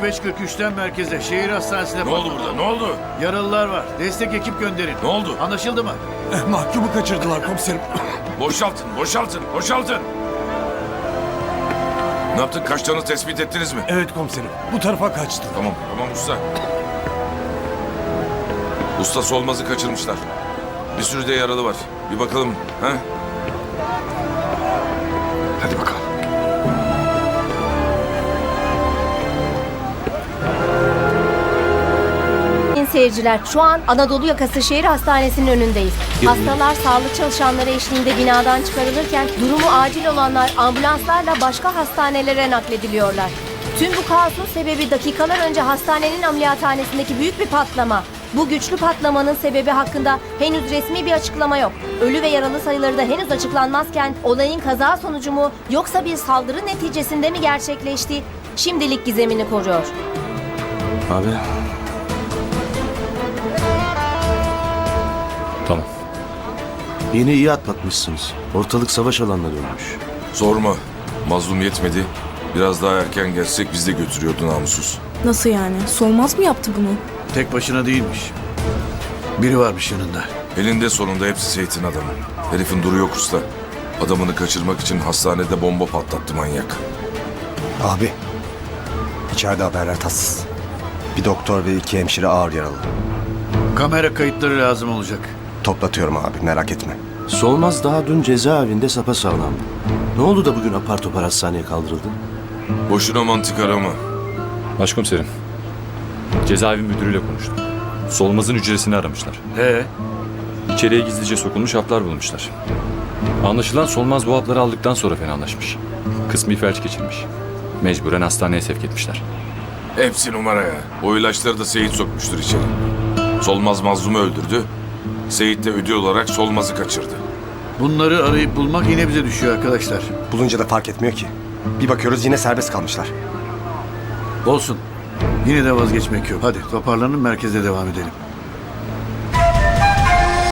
05.43'ten merkeze, şehir hastanesine Ne oldu burada? Ne oldu? Yaralılar var. Destek ekip gönderin. Ne oldu? Anlaşıldı mı? Mahkumu kaçırdılar komiserim. Boşaltın, boşaltın, boşaltın. Ne yaptın? Kaçtığını tespit ettiniz mi? Evet komiserim. Bu tarafa kaçtı. Tamam, tamam usta. Usta Solmaz'ı kaçırmışlar. Bir sürü de yaralı var. Bir bakalım, ha? Hadi bakalım. Sayın seyirciler, şu an Anadolu Yakası Şehir Hastanesi'nin önündeyiz. Hastalar sağlık çalışanları eşliğinde binadan çıkarılırken durumu acil olanlar ambulanslarla başka hastanelere naklediliyorlar. Tüm bu kaosun sebebi dakikalar önce hastanenin ameliyathanesindeki büyük bir patlama. Bu güçlü patlamanın sebebi hakkında henüz resmi bir açıklama yok. Ölü ve yaralı sayıları da henüz açıklanmazken olayın kaza sonucu mu yoksa bir saldırı neticesinde mi gerçekleşti? Şimdilik gizemini koruyor. Abi. Tamam. Yine iyi atlatmışsınız. Ortalık savaş alanına dönmüş. Sorma. Mazlum yetmedi. Biraz daha erken gelsek biz de götürüyordu namussuz. Nasıl yani? Solmaz mı yaptı bunu? Tek başına değilmiş. Biri varmış yanında. Elinde sonunda hepsi Seyit'in adamı. Herifin duru yok usta. Adamını kaçırmak için hastanede bomba patlattı manyak. Abi, içeride haberler tatsız. Bir doktor ve 2 hemşire ağır yaralı. Kamera kayıtları lazım olacak. Toplatıyorum abi, merak etme. Solmaz daha dün cezaevinde sapasağlam. Ne oldu da bugün apar topar hastaneye kaldırıldı? Boşuna mantık arama. Başkomiserim. Cezaevi müdürüyle konuştum. Solmaz'ın hücresini aramışlar. İçeriye gizlice sokulmuş haplar bulmuşlar. Anlaşılan Solmaz bu hapları aldıktan sonra fenalaşmış. Kısmi felç geçirmiş. Mecburen hastaneye sevk etmişler. Hepsi numara ya. O ilaçları da Seyit sokmuştur içeri. Solmaz mazlumu öldürdü. Seyit de ödül olarak Solmaz'ı kaçırdı. Bunları arayıp bulmak yine bize düşüyor arkadaşlar. Bulunca da fark etmiyor ki. Bir bakıyoruz yine serbest kalmışlar. Olsun. Yine de vazgeçmek yok. Hadi toparlanın, merkeze devam edelim.